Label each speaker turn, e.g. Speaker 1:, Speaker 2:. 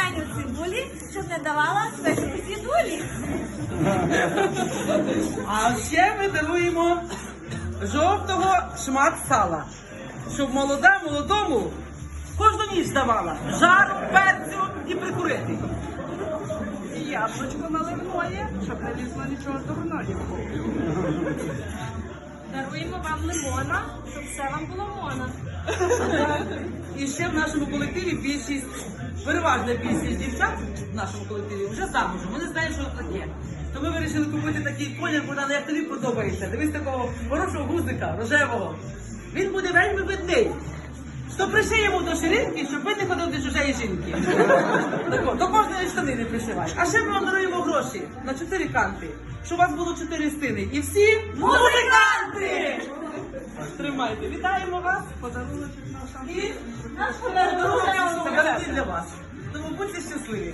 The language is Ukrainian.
Speaker 1: жменю цибулі, щоб не давала спекусі дулі.
Speaker 2: А ще ми даруємо жовтого шмат сала, щоб молода молодому кожну ніч давала жару, перцю і прикурити.
Speaker 3: І яблучко наливное, щоб не лізло нічого дурного.
Speaker 1: Даруємо вам лимона, щоб все вам було мона.
Speaker 2: І ще в нашому колективі переважна більшість дівчат в нашому колективі вже замужем. Вони знають, що це таке. То ми вирішили купити такий колір, Богдан, як тобі подобається. Дивись такого хорошого гузика, рожевого. Він буде вельми видний. Що пришиємо до ширинки, щоб ви не ходили до чужої жінки. Так, до кожної штани не пришивай. А ще ми вам даруємо гроші на 4 канти, щоб у вас було 4 стини. І всі музиканти! Тримайте, вітаємо вас.
Speaker 3: Подарунок наш.
Speaker 2: І наш подарунок для вас. Тому будьте щасливі.